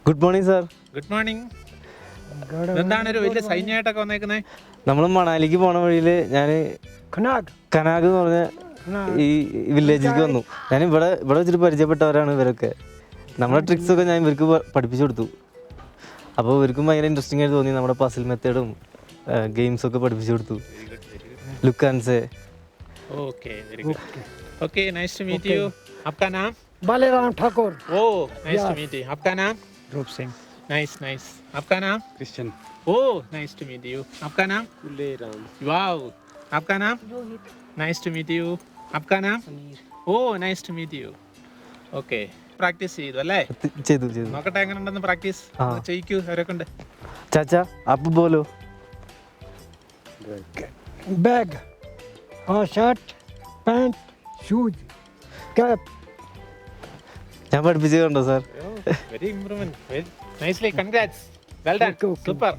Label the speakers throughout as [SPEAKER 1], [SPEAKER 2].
[SPEAKER 1] Good morning sir.
[SPEAKER 2] Good morning. എന്താണ് ഒരു വലിയ സൈന്യമായിട്ടൊക്കെ വന്നേക്കുന്നത്?
[SPEAKER 1] നമ്മൾ മണാലിക്ക് പോണ വഴിയിൽ ഞാൻ കനാഗ് എന്ന് പറഞ്ഞ ഈ വില്ലേജിലേക്ക് വന്നു. ഞാൻ ഇവിടെ വെച്ചിട്ട് പരിചയപ്പെട്ടവരാണ് ഇവരൊക്കെ. നമ്മുടെ ട്രിക്സൊക്കെ ഞാൻ ഇവർക്ക് പഠിപ്പിച്ചു കൊടുത്തു. അപ്പോൾ ഇവർക്കും ഭയങ്കര ഇൻട്രസ്റ്റിംഗ് ആയിട്ട് തോന്നി. നമ്മുടെ പസിൽ മെത്തേഡും ഗെയിംസൊക്കെ പഠിപ്പിച്ചു കൊടുത്തു. Look and say.
[SPEAKER 2] Okay very good. Okay nice to meet you. आपका नाम?
[SPEAKER 3] Baleram Thakur.
[SPEAKER 2] Oh nice to meet you. आपका नाम?
[SPEAKER 3] रूप सिंह.
[SPEAKER 2] Nice nice. आपका नाम?
[SPEAKER 4] Christian.
[SPEAKER 2] Oh nice to meet you. आपका नाम?
[SPEAKER 4] गुलेराम.
[SPEAKER 2] वाओ. आपका नाम? Nice to meet you. आपका नाम? Oh nice to meet you. Okay practice ചെയ്തു അല്ലേ?
[SPEAKER 1] ചെയ്തു.
[SPEAKER 2] നോക്കട്ടെ എങ്ങനെ ഉണ്ടെന്ന് പ്രാക്ടീസ് ചെയ്യിക്കൂ അവരൊക്കെ ഉണ്ട്.
[SPEAKER 1] ചാച്ചാ അപ്പ് ബോലോ.
[SPEAKER 3] बैग और शर्ट पैंट शूज कैप.
[SPEAKER 1] ഞാൻ പഠിപ്പിച്ചു കണ്ടോ sir?
[SPEAKER 2] Very improvement. Nicely congrats. Well done. Super.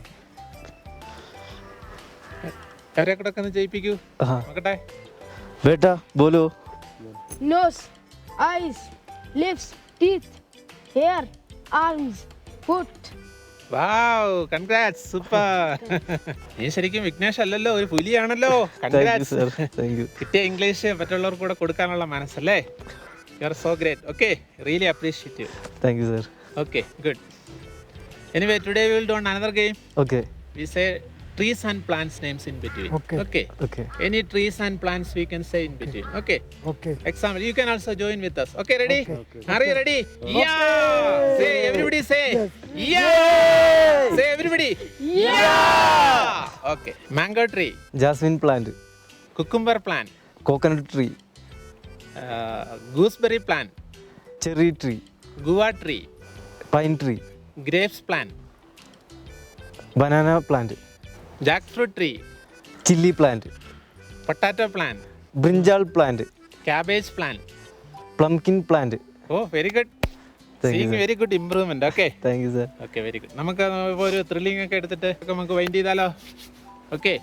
[SPEAKER 2] അവരെ കൂടെ ഒന്ന് ജയിപ്പിക്കൂ. നോക്കട്ടെ.
[SPEAKER 1] ബേട്ടാ ബോലോ.
[SPEAKER 5] Nose, eyes, lips, teeth, hair, arms, foot.
[SPEAKER 2] Wow congrats. Super. നീ ശരിക്കും വിഘ്നേഷ് അല്ലല്ലോ, ഒരു പുലിയാണല്ലോ. കൺഗ്രാറ്റ്സ്. കിട്ടിയ ഇംഗ്ലീഷ് മറ്റുള്ളവർക്ക് കൂടെ കൊടുക്കാനുള്ള മനസ്സല്ലേ. You are so great. Okay really appreciate you.
[SPEAKER 1] Thank you sir.
[SPEAKER 2] Okay, good. Anyway, today we will do another game.
[SPEAKER 1] Okay
[SPEAKER 2] We say trees and plants names in between.
[SPEAKER 3] Okay.
[SPEAKER 1] Okay.
[SPEAKER 2] Any trees and plants we can say in between. Okay.
[SPEAKER 3] Okay.
[SPEAKER 2] Example, you can also join with us. Okay, ready?
[SPEAKER 3] Okay.
[SPEAKER 2] Are you ready? Yeah. Say everybody say.
[SPEAKER 3] Yes.
[SPEAKER 2] Yeah. Say everybody. Yeah. Okay. Mango tree,
[SPEAKER 1] jasmine plant,
[SPEAKER 2] cucumber plant,
[SPEAKER 1] coconut tree,
[SPEAKER 2] gooseberry plant,
[SPEAKER 1] cherry tree,
[SPEAKER 2] guava tree,
[SPEAKER 1] pine tree,
[SPEAKER 2] grapes plant,
[SPEAKER 1] banana plant,
[SPEAKER 2] jackfruit tree,
[SPEAKER 1] chilli plant,
[SPEAKER 2] potato plant,
[SPEAKER 1] brinjal plant,
[SPEAKER 2] cabbage plant.
[SPEAKER 1] Pumpkin plant.
[SPEAKER 2] Oh, very good.
[SPEAKER 1] Thank you,
[SPEAKER 2] Seeing
[SPEAKER 1] sir.
[SPEAKER 2] very good improvement. Okay.
[SPEAKER 1] Thank you sir.
[SPEAKER 2] Okay, very good. നമുക്ക് ഇപ്പോൾ ഒരു thrilling ഒക്കെ എടുത്തിട്ട് നമുക്ക് wind ചെയ്താലോ? Okay.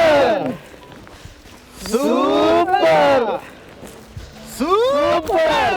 [SPEAKER 1] Super.